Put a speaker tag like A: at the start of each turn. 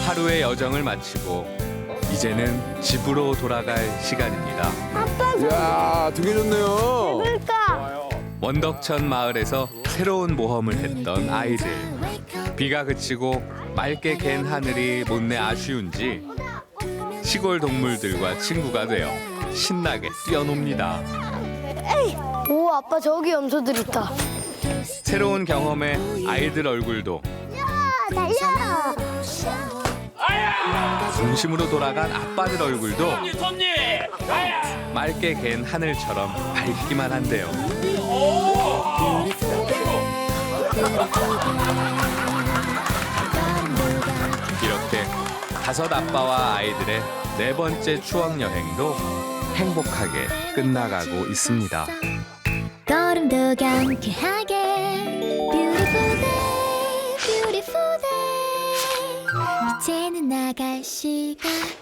A: 하루의 여정을 마치고 이제는 집으로 돌아갈 시간입니다.
B: 이야, 되게 좋네요.
C: 그러니까.
A: 원덕천 마을에서 새로운 모험을 했던 아이들. 비가 그치고 맑게 갠 하늘이 못내 아쉬운지 시골 동물들과 친구가 되어 신나게 뛰어놉니다.
C: 오, 아빠 저기 염소들 있다.
A: 새로운 경험에 아이들 얼굴도
C: 달려.
A: 중심으로 돌아간 아빠들 얼굴도 맑게 갠 하늘처럼 밝기만 한데요. 이렇게 다섯 아빠와 아이들의 네 번째 추억 여행도 행복하게 끝나가고 있습니다.
D: 걸음도 경쾌하게 Beautiful day, beautiful day 이제는 나갈 시간